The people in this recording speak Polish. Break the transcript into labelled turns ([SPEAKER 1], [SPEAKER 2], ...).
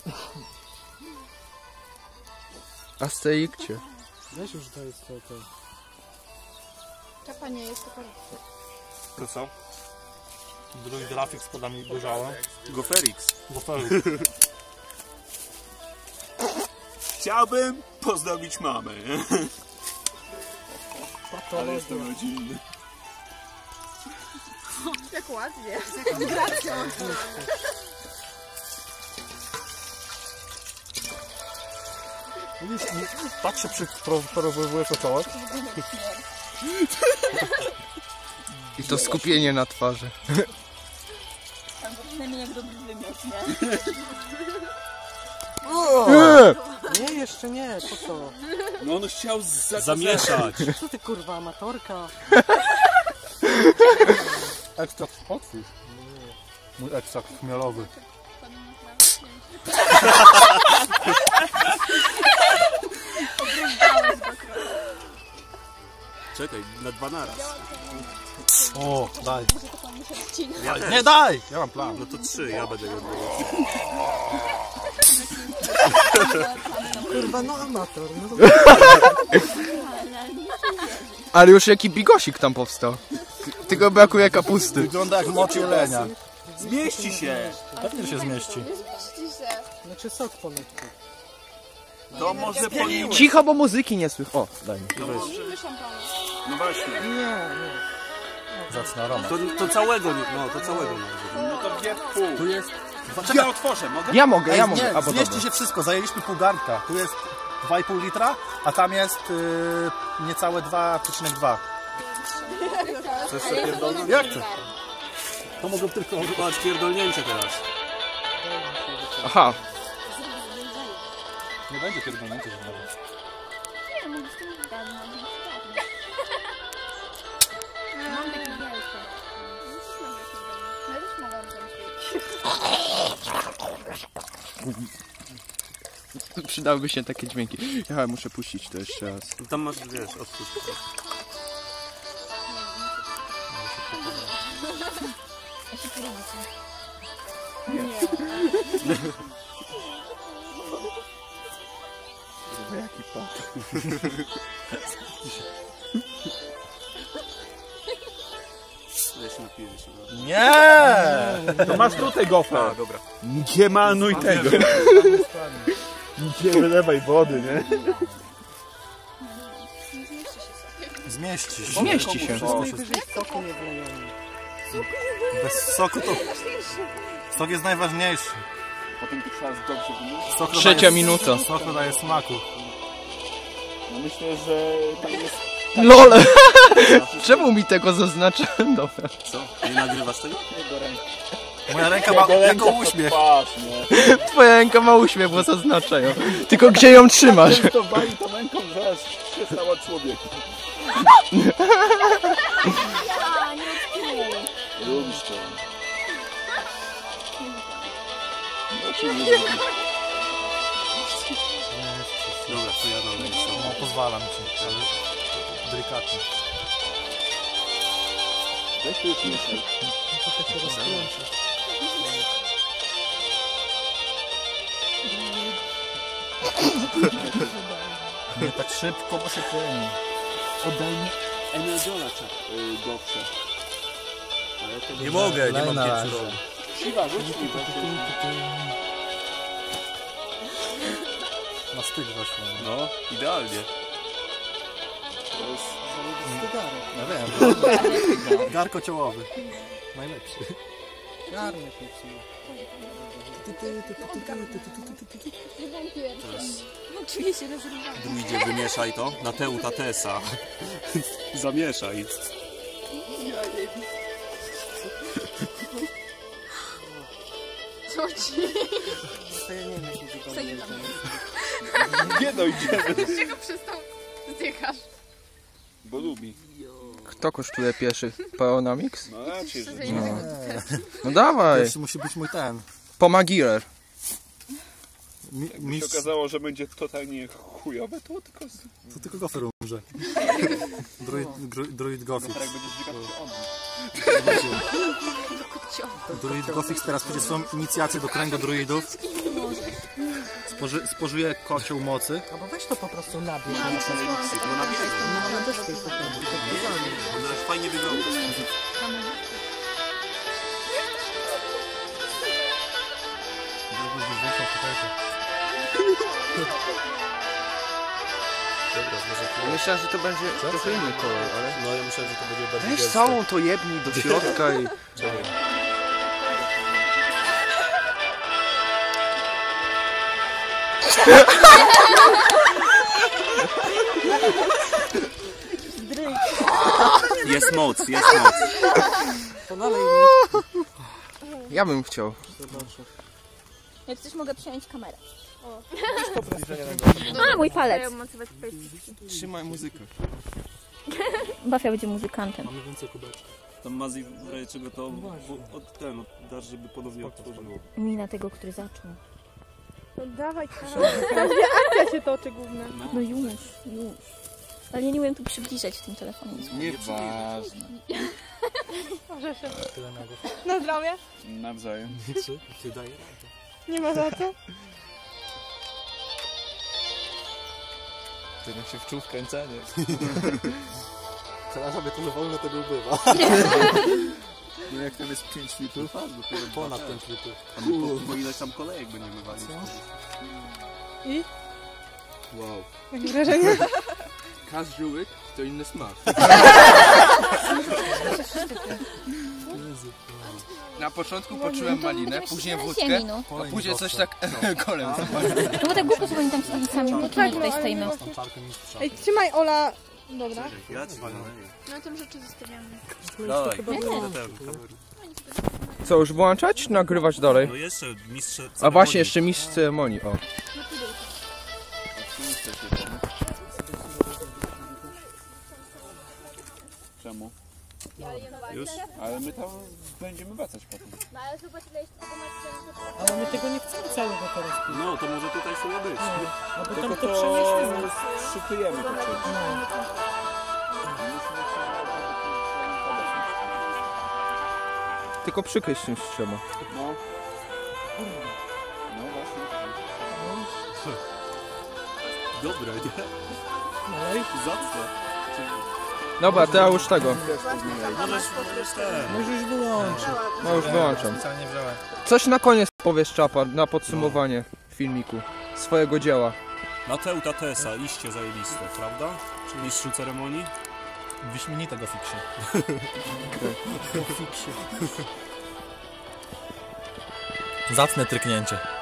[SPEAKER 1] Asterikcie.
[SPEAKER 2] Weź już to jest to.
[SPEAKER 3] Czapa nie jest, to korek.
[SPEAKER 4] To co? Drugi grafik z podami dojrzała.
[SPEAKER 5] Goferix.
[SPEAKER 4] Goferix.
[SPEAKER 5] Chciałbym pozdrowić mamę.
[SPEAKER 2] Ale
[SPEAKER 5] jestem rodzinny.
[SPEAKER 3] Jak ładnie. Z gracją.
[SPEAKER 4] Tak się porozwojowuje to czoło.
[SPEAKER 1] I to skupienie na twarzy.
[SPEAKER 3] Albo przynajmniej jak dobry wymiot, nie?
[SPEAKER 2] Nie, jeszcze nie, po co?
[SPEAKER 5] No on chciał
[SPEAKER 4] Zamieszać.
[SPEAKER 2] Co ty kurwa, amatorka?
[SPEAKER 4] Ekstrakt otwórz. Mój ekstrakt chmielowy.
[SPEAKER 5] Czekaj, na 2 naraz.
[SPEAKER 4] O, daj.
[SPEAKER 5] Ja
[SPEAKER 4] Nie daj! Ja mam plan.
[SPEAKER 5] No to 3, ja będę go odbywał.
[SPEAKER 2] Kurwa, no amator. No to...
[SPEAKER 1] Ale już jaki bigosik tam powstał. Tylko brakuje kapusty.
[SPEAKER 4] Wygląda jak moc jelenia.
[SPEAKER 5] Zmieści się!
[SPEAKER 4] Pewnie się zmieści.
[SPEAKER 3] Zmieści się.
[SPEAKER 2] Znaczy sok po nutku.
[SPEAKER 5] To może po nim...
[SPEAKER 1] Cicho, bo muzyki nie słychać. O, daj mi.
[SPEAKER 3] Mówimy szampana.
[SPEAKER 5] No właśnie.
[SPEAKER 2] Nie.
[SPEAKER 4] Zacna aroma.
[SPEAKER 5] To całego nie... No to całego nie. No to wie pół.
[SPEAKER 4] Tu jest...
[SPEAKER 5] Czekaj, otworzę, mogę?
[SPEAKER 1] Ja mogę.
[SPEAKER 4] Nie,
[SPEAKER 1] Albo
[SPEAKER 4] zmieści
[SPEAKER 1] dobra.
[SPEAKER 4] się wszystko. Zajęliśmy pół garnka. Tu jest 2,5 litra, a tam jest niecałe 2,2.
[SPEAKER 5] Chcesz sobie pierdolnąć?
[SPEAKER 4] Jak to? To mogą tylko...
[SPEAKER 5] Patrz, pierdolnięcie teraz.
[SPEAKER 1] Aha.
[SPEAKER 4] Nie będzie pierdolnięcia żadnego.
[SPEAKER 3] Nie, mogę z tym gadać. Mam taki wielki. Ja też mogłam tam
[SPEAKER 1] Przydałyby się takie dźwięki. Ja muszę puścić to jeszcze raz.
[SPEAKER 5] Tam masz, wiesz, odpuść.
[SPEAKER 3] Ja się porównam.
[SPEAKER 1] Jaki pat.
[SPEAKER 5] Ja się napiję jeszcze.
[SPEAKER 4] Nie!
[SPEAKER 5] To masz tutaj gofer. A, dobra. Nie manuj tego. Nie wylewaj wody, nie?
[SPEAKER 4] Zmieści się.
[SPEAKER 1] Zmieści się.
[SPEAKER 2] Najwyżej soku nie wlejemy.
[SPEAKER 4] Bez soku to... Sok jest najważniejszy.
[SPEAKER 5] Potem to trzeba dobrze wymyślić.
[SPEAKER 4] Sok
[SPEAKER 1] Trzecia
[SPEAKER 4] daje...
[SPEAKER 1] minuta.
[SPEAKER 4] Sok daje smaku.
[SPEAKER 5] No myślę, że tam jest...
[SPEAKER 1] LOL! Czemu mi tego zaznacza? Dobra.
[SPEAKER 5] Co? Nie nagrywasz tego?
[SPEAKER 4] Moja ręka ma jako uśmiech.
[SPEAKER 5] Patrz, nie?
[SPEAKER 1] Twoja ręka ma uśmiech, bo zaznaczają. Tylko gdzie ją trzymasz?
[SPEAKER 5] To bali tą ręką, zaraz się stała człowiekiem.
[SPEAKER 3] Ja, nie odkryję.
[SPEAKER 5] Lubisz to. No czy nie lubisz? Dobra, to ja dalej.
[SPEAKER 4] No, pozwalam ci, ale delikatnie.
[SPEAKER 5] Weź tu już mieszaj.
[SPEAKER 2] To się rozkręci.
[SPEAKER 4] Nie tak szybko, bo się pieni.
[SPEAKER 5] Oddaj mi Energola gorsze.
[SPEAKER 4] Nie mogę, nie mam
[SPEAKER 2] na razie.
[SPEAKER 4] piecu.
[SPEAKER 5] Siwa, rzuć mi
[SPEAKER 4] Na styk weszło.
[SPEAKER 5] No, idealnie. To jest...
[SPEAKER 4] Ja wiem. Garko ciołowy. Najlepszy.
[SPEAKER 2] Garnek nie psuje.
[SPEAKER 3] No, czuję się rozrywana.
[SPEAKER 5] Druidzie, wymieszaj to na Teu Tatesa. Zamieszaj.
[SPEAKER 3] Co ci?
[SPEAKER 2] To ja nie wiem, jak to
[SPEAKER 3] Zajęłam.
[SPEAKER 5] Nie dojdziemy.
[SPEAKER 3] Dlaczego przestał zdychasz?
[SPEAKER 5] Bo lubi.
[SPEAKER 1] Kto kosztuje pierwszy? Paonamix?
[SPEAKER 5] No raczej, że
[SPEAKER 1] No dawaj.
[SPEAKER 4] Pierwszy musi być mój ten.
[SPEAKER 1] Pomagirer.
[SPEAKER 5] mi się okazało, że będzie totalnie chujowe, to tylko...
[SPEAKER 4] To tylko gofer umrze. Druid gofer.
[SPEAKER 5] Jak będziesz dźwigać, to on.
[SPEAKER 4] Druid Gofix teraz będzie swoją inicjację do kręgu druidów. Spożyje kocioł mocy.
[SPEAKER 2] Albo weź to po prostu nabierz.
[SPEAKER 6] No
[SPEAKER 2] Też to jest tak.
[SPEAKER 6] Ona fajnie wygląda.
[SPEAKER 1] Myślałem, że to będzie trochę inny kolor, ale...
[SPEAKER 6] No ja myślałem, że to będzie bardziej
[SPEAKER 1] Weź
[SPEAKER 6] gęste.
[SPEAKER 1] całą to jebnij do środka i...
[SPEAKER 6] Czekaj. Jest moc, jest moc.
[SPEAKER 2] To dalej
[SPEAKER 1] Ja bym chciał.
[SPEAKER 3] Jak coś mogę przejąć kamerę.
[SPEAKER 7] A, mój palec.
[SPEAKER 1] Trzymaj muzykę.
[SPEAKER 7] Bafia będzie muzykantem.
[SPEAKER 6] Mamy więcej kubeczków. Tam Mazi w razie czego to dasz, żeby ponownie otworzyło.
[SPEAKER 7] Mina tego, który zaczął.
[SPEAKER 8] No dawaj, każda akcja się toczy główna.
[SPEAKER 7] No już. Ale ja nie umiem tu przybliżać w tym telefonie.
[SPEAKER 1] Nieważne.
[SPEAKER 8] Może się. Na zdrowie.
[SPEAKER 1] Nawzajem.
[SPEAKER 6] Ty daje radę.
[SPEAKER 8] Nie ma za co.
[SPEAKER 1] Ty się wczuł w kręcenie.
[SPEAKER 4] Teraz sobie to za wolno tego bywa.
[SPEAKER 5] No jak tam jest 5 litrów?
[SPEAKER 4] Ponad 5 litrów.
[SPEAKER 6] A my po ileś tam kolejek będziemy walić.
[SPEAKER 8] I?
[SPEAKER 1] Wow.
[SPEAKER 8] Jakie wrażenie?
[SPEAKER 1] Każdy łyk to inny smak. Na początku poczułem malinę, później wódkę,
[SPEAKER 7] No.
[SPEAKER 1] a później coś tak kolem.
[SPEAKER 7] No bo tak głupio, że oni tam stali sami, my tu tutaj stoimy.
[SPEAKER 4] Tą czarkę mistrza.
[SPEAKER 8] Ej, trzymaj Ola. Dobra.
[SPEAKER 6] Ja ci
[SPEAKER 8] Na tym rzeczy zostawiamy.
[SPEAKER 6] dawaj.
[SPEAKER 1] Co, już włączać? Nagrywać dalej?
[SPEAKER 6] No jeszcze mistrz.
[SPEAKER 1] A właśnie, jeszcze mistrz ceremonii, o.
[SPEAKER 5] Czemu?
[SPEAKER 6] Już?
[SPEAKER 5] Ale my tam będziemy wracać potem.
[SPEAKER 2] Ale my tego nie chcemy całego teraz.
[SPEAKER 6] No to może tutaj sobie być.
[SPEAKER 2] No bo
[SPEAKER 5] Tylko
[SPEAKER 2] tam to
[SPEAKER 5] to
[SPEAKER 2] przenieśliśmy.
[SPEAKER 5] szytujemy to przecież.
[SPEAKER 1] Tylko przykryć czymś trzeba.
[SPEAKER 5] No. No właśnie.
[SPEAKER 6] Dobre, nie?
[SPEAKER 2] Dalej.
[SPEAKER 6] Zacne.
[SPEAKER 1] Dobra, to ja już tego.
[SPEAKER 6] Możesz ten.
[SPEAKER 2] Może już wyłączyć.
[SPEAKER 1] No już wyłączam.
[SPEAKER 4] Wcale nie wziąłem.
[SPEAKER 1] Coś na koniec powiesz, Czapa, na podsumowanie filmiku swojego dzieła.
[SPEAKER 6] Mateuta Tesa, iście zajebiste, prawda? Mistrzu ceremonii?
[SPEAKER 4] Wyśmienite Gofixie. Zacne tryknięcie.